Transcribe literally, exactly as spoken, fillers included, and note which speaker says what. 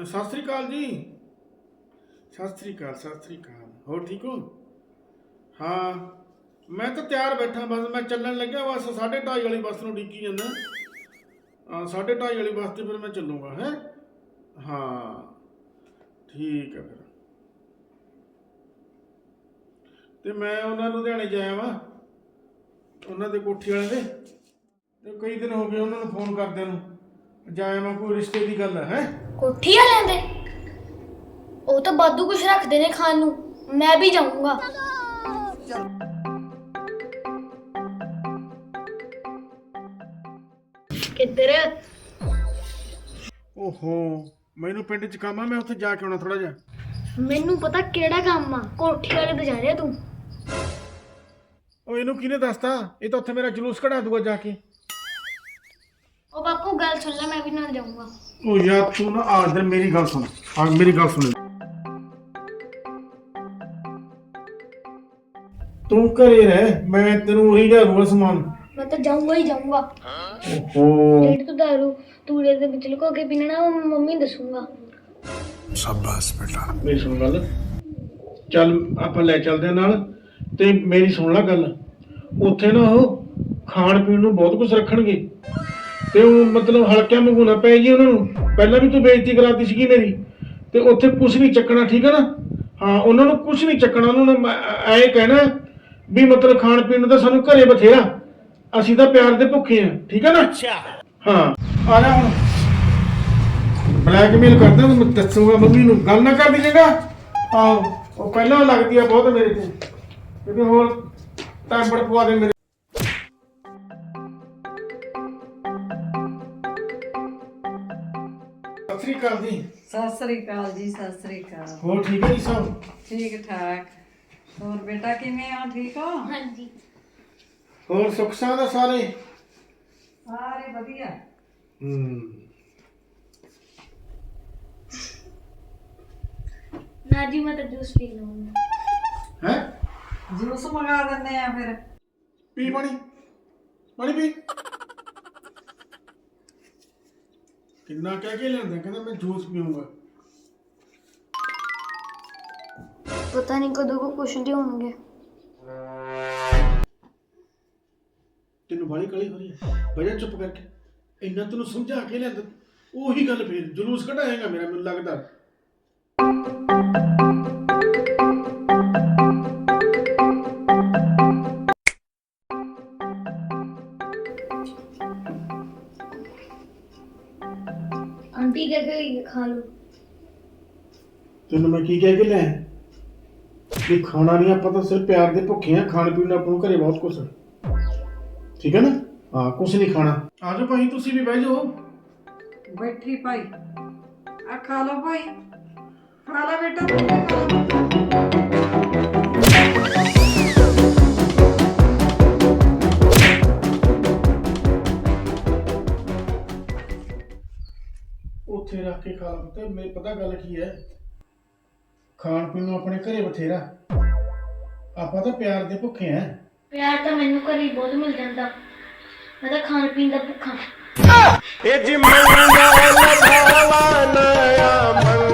Speaker 1: सत श्री अकाल जी। सत श्री अकाल सत श्री अकाल। हो ठीक हो? हाँ मैं तो तैयार बैठा, बस मैं चलन लग्या, बस साढ़े ढाई वाली बस नूं उडीकी जाना। हाँ साढ़े ढाई वाली बस से फिर मैं चलूँगा है। हाँ ठीक है फिर। तो मैं उन्होंने लुधियाने जाया वा, उन्होंने कोठी वाले दे, ते कई दिन हो गए उन्होंने फोन करदे नूं, जाया मैं कोई रिश्ते की गल है।
Speaker 2: कोठी वाले दे वो तो वाधू कुछ रखते ने खान नूं, मैं भी जाऊंगा। किधर?
Speaker 1: ओहो मैनू पिंड च काम आ, मैं उत्थे जाके आना थोड़ा जिहा।
Speaker 2: मैनू पता केड़ा काम आ, कोठी वाले ते जा रहा तू।
Speaker 1: ओ इनू किने दसता? ये तो उत्थे मेरा जुलूस कढ़ा दूगा जाके।
Speaker 2: ओ बापू गल सुन ले, मैं भी ना जाऊंगा।
Speaker 1: ओ यार तू ना आ इधर मेरी गल सुन, आ मेरी गल सुन। तू घरे रह, मैं तेनू वही लिया दूंगा समान।
Speaker 2: मैं तो जाऊंगा ही जाऊंगा।
Speaker 1: ओहो
Speaker 2: जेड़ तू दारू तूड़े दे विच लुको के पीना वो मम्मी दसूंगा।
Speaker 1: शाबाश बेटा। मेरी सुन गल, चल ਆਪਾਂ ਲੈ ਚੱਲਦੇ ਆ ਨਾਲ, ਤੇ ਮੇਰੀ ਸੁਣ ਲੈ ਗੱਲ। ਉੱਥੇ ਨਾ ਉਹ ਖਾਣ ਪੀਣ ਨੂੰ ਬਹੁਤ ਕੁਝ ਰੱਖਣਗੇ, ਤੇ ਉਹ ਮਤਲਬ ਹਲਕਿਆਂ ਵਾਂਗੂ ਨਾ ਪੈ ਜੀ ਉਹਨਾਂ ਨੂੰ। ਪਹਿਲਾਂ ਵੀ ਤੂੰ ਬੇਇੱਜ਼ਤੀ ਕਰਾਤੀ ਸੀਗੀ ਮੇਰੀ, ਤੇ ਉੱਥੇ ਕੁਝ ਨਹੀਂ ਚੱਕਣਾ, ਠੀਕ ਹੈ ਨਾ? ਹਾਂ ਉਹਨਾਂ ਨੂੰ ਕੁਝ ਨਹੀਂ ਚੱਕਣਾ, ਉਹਨਾਂ ਨੂੰ ਐ ਕਹਿਣਾ ਵੀ ਮਤਲਬ ਖਾਣ ਪੀਣ ਨੂੰ ਤਾਂ ਸਾਨੂੰ ਘਰੇ ਬਥੇਰਾ, ਅਸੀਂ ਤਾਂ ਪਿਆਰ ਦੇ ਭੁੱਖੇ ਆ, ਠੀਕ ਹੈ ਨਾ? ਹਾਂ ਆ ਜਾ ਹੁਣ। ਬਲੈਕਮੇਲ ਕਰਦਾ ਮੈਂ ਦੱਸੂਗਾ ਮੰਮੀ ਨੂੰ, ਗੱਲ ਨਾ ਕਰ ਦੀ ਜਗਾ। ਆਹੋ ਉਹ ਪਹਿਲਾਂ ਲੱਗਦੀ ਆ ਬਹੁਤ ਮੇਰੇ ਤੇ, ਕਿਤੇ ਹੋਰ ਟਾਈਮ ਬੜ ਪਵਾ ਦੇ ਮੇਰੇ। ਸਤਿ ਸ੍ਰੀ ਅਕਾਲ ਜੀ।
Speaker 3: सत श्री अकाल जी। सत श्री अकाल।
Speaker 1: ਹੋਰ ਠੀਕ ਹੈ ਜੀ ਸਭ?
Speaker 3: ठीक ठाक। और बेटा किवें हो? ठीक हो?
Speaker 2: हां जी।
Speaker 1: ਹੋਰ ਸੁੱਖ ਸਾਂਦ ਆ ਸਾਰੇ?
Speaker 3: सारे वधिया।
Speaker 1: ਹੂੰ
Speaker 2: ना जी मैं तो जूस पी लूंगा।
Speaker 1: ਹੈ
Speaker 3: जूस मंगा दिंदे आ फिर।
Speaker 1: ਪੀ ਪਾਣੀ, ਪਾਣੀ ਪੀ। ਕਿੰਨਾ ਕਹਿ ਕੇ ਲਿਆਂਦਾ, ਕਹਿੰਦਾ ਮੈਂ ਜੂਸ ਪੀਊਂਗਾ।
Speaker 2: पता नहीं कदों को कुछ दे होंगे।
Speaker 1: ਤੈਨੂੰ ਬਾਲੀ ਕਾਲੀ ਹੋ ਰਹੀ ਹੈ, ਵਜਾ ਚੁੱਪ ਕਰਕੇ। ਇੰਨਾ ਤੈਨੂੰ ਸਮਝਾ ਕੇ ਲਿਆਂਦਾ, ਉਹੀ ਗੱਲ ਫੇਰ ਜਲੂਸ ਕਢਾਏਗਾ ਮੇਰਾ, ਮੈਨੂੰ ਲੱਗਦਾ।
Speaker 2: आंटी कह गई खा लो।
Speaker 1: ਤੈਨੂੰ ਮੈਂ ਕੀ ਕਹਿ ਕੇ ਲਿਆ ਵੀ ਖਾਣਾ ਨਹੀਂ, ਆਪਾਂ ਤਾਂ ਸਿਰਫ ਪਿਆਰ ਦੇ ਭੁੱਖੇ ਆ, ਖਾਣ ਪੀਣ ਨੂੰ ਆਪਾਂ ਨੂੰ ਘਰੇ ਬਹੁਤ ਕੁਛ, ਠੀਕ ਹੈ ਨਾ? ਹਾਂ ਕੁਛ ਨਹੀਂ ਖਾਣਾ। ਆ ਜਾਓ ਭਾਈ ਤੁਸੀਂ ਵੀ ਬਹਿ ਜਾਓ।
Speaker 3: बैठी भाई आ खा लो भाई, खा लो बेटा, खा लो।
Speaker 1: ਉੱਥੇ ਰੱਖ ਕੇ ਖਾ ਲਾ। ਤੇ ਮੈਨੂੰ ਪਤਾ ਗੱਲ ਕੀ ਹੈ, ਖਾਣ ਪੀਣ ਨੂੰ ਆਪਣੇ ਘਰੇ ਬਥੇਰਾ, ਆਪਾਂ ਤਾਂ ਪਿਆਰ ਦੇ ਭੁੱਖੇ ਆ।
Speaker 2: प्यार तो मैनू घर ही बहुत मिल जाता, मैं तो खान पीन का भुखा।
Speaker 4: ਇਹ ਜੀ ਮੰਗਾ ਲਭਾਵਾ ਨਇਆ